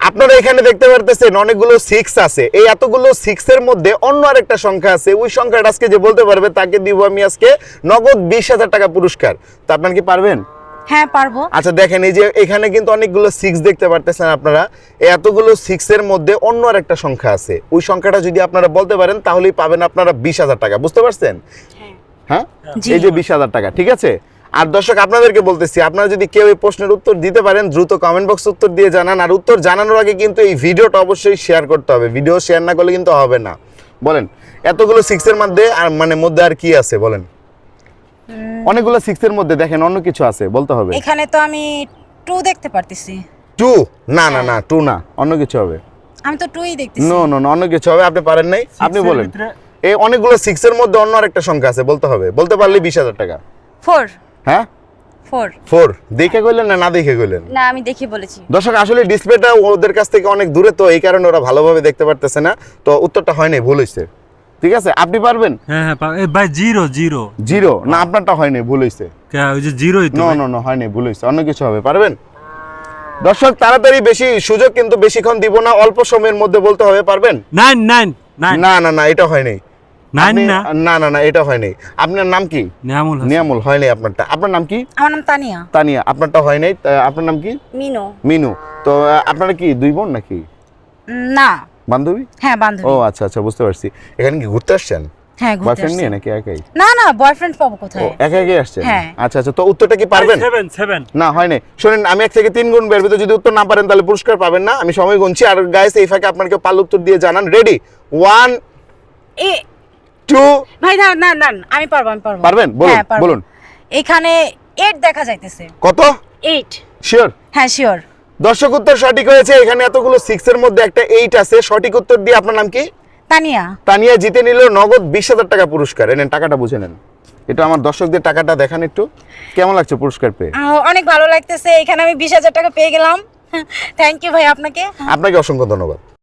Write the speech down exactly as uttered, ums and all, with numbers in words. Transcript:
আপনারা এখানে দেখতে পারতেছেন অনেকগুলো সিক্স আছে, এই এতগুলো সিক্স এর মধ্যে অন্য আরেকটা সংখ্যা আছে, ওই সংখ্যাটা আজকে যে বলতে পারবে তাকে দিব আমি আজকে নগদ বিশ হাজার টাকা পুরস্কার। তো আপনারা কি পারবেন? হ্যাঁ পারবো। আচ্ছা দেখেন, এই যে এখানে কিন্তু অনেকগুলো সিক্স দেখতে পারতেছেন আপনারা, এই এতগুলো সিক্স এর মধ্যে অন্য আরেকটা সংখ্যা আছে, ওই সংখ্যাটা যদি আপনারা বলতে পারেন তাহলেই পাবেন আপনারা বিশ হাজার টাকা। বুঝতে পারছেন? হ্যাঁ, এই যে বিশ হাজার টাকা, ঠিক আছে। আর দর্শক আপনাদেরকে বলতেছি, আপনারা যদি কেউ এই প্রশ্নের উত্তর দিতে পারেন দ্রুত কমেন্ট বক্সে উত্তর দিয়ে জানান। আর উত্তর জানানোর আগে কিন্তু এই ভিডিওটা অবশ্যই শেয়ার করতে হবে, ভিডিও শেয়ার না করলে কিন্তু হবে না। বলেন এতগুলো সিক্স এর মধ্যে আর মানে মধ্যে আর কি আছে বলেন? অনেকগুলো সিক্স এর মধ্যে দেখেন অন্য কিছু আছে, বলতে হবে। এখানে তো আমি টু দেখতে পারতেছি। টু? না না না, টু না, অন্য কিছু হবে। আমি তো টুই দেখতেছি। নো নো, অন্য কিছু হবে। আপনি পারেন নাই, আপনি বলেন। এই অনেকগুলো সিক্স এর মধ্যে অন্য আরেকটা সংখ্যা আছে, বলতে হবে। বলতে পারলে বিশ হাজার টাকা। ফোর। হ্যাঁ ফোর। ফোর দেখে কইলেন না না দেখে কইলেন? না আমি দেখে বলেছি। দর্শক আসলে ডিসপ্লেটা ওদের কাছ থেকে অনেক দূরে, তো এই কারণে ওরা ভালোভাবে দেখতে পারতেছে না, তো উত্তরটা হয়নি, ভুল হইছে। ঠিক আছে, আপনি পারবেন? হ্যাঁ হ্যাঁ পা- এ ভাই জিরো জিরো জিরো না, আপনারটা হয়নি, ভুল হইছে। কে ওই যে জিরোই তো নো ভাই। নো নো, হয়নি, ভুল হইছে, অন্য কিছু হবে। পারবেন? দর্শক তাড়াতাড়ি, বেশি সুযোগ কিন্তু বেশিক্ষণ দিব না, অল্প সময়ের মধ্যে বলতে হবে। পারবেন? নাইন নাইন নাইন না না না, এটা হয়নি। নাইন আপনি- না না না না, এটা হয়নি। আপনার নাম কি? নিয়ামুল হাসান। নিয়ামুল, হয়নি আপনারটা। আপনার নাম কি? আমার নাম তানিয়া। তানিয়া, আপনারটা হয় নাই। তা আপনার নাম কি? মিনো। মিনু। তো আহ, আপনারা কি দুই বোন নাকি না। বান্ধবী? হ্যাঁ বান্ধবী। ও আচ্ছা আচ্ছা, বুঝতে পারছি। এখানে কি ঘুরতে আসছেন? হ্যাঁ ঘুরতে বয়ফ্রেন্ড নিয়ে আসছি। নাকি একাই? না না, বয়ফ্রেন্ড পাবো ও কোথায়? একা একাই আসছেন? হ্যাঁ। আচ্ছা আচ্ছা, তো উত্তরটা কি পারবেন? সেভেন সেভেন না হয় নাই। শুনেন, আমি এক থেকে তিন গুণ বের ভিতরে যদি উত্তর না পারেন তাহলে পুরস্কার পাবেন না। আমি সময় গুনছি, আর গাইস এই ফাঁকে আপনার কেউ পাল উত্তর দিয়ে জানান। রেডি? ওয়ান এ টু। ভাই না না না, আমি পারবো আমি পারবো। পারবেন? বলুন হ্যাঁ, পারবো। বলুন। এখানে এইট দেখা যাইতেছে। কত? এইট। শিওর? হ্যাঁ শিওর। দর্শক উত্তর সঠিক হয়েছে। এখানে এতগুলো সিক্স এর মধ্যে একটা এইট আছে। সঠিক উত্তর দিয়ে আপনার নাম কি? তানিয়া। তানিয়া জিতে নিল নগদ বিশ হাজার টাকা পুরস্কার। এনেন, টাকাটা বুঝে নেন। এটা আমার দর্শকদের টাকাটা দেখান একটু, কেমন লাগছে পুরস্কার পেয়ে? আহ, অনেক ভালো লাগতেছে, এখানে আমি বিশ হাজার টাকা পেয়ে গেলাম। থ্যাংক ইউ ভাই আপনাকে। আপনাকে অসংখ্য ধন্যবাদ।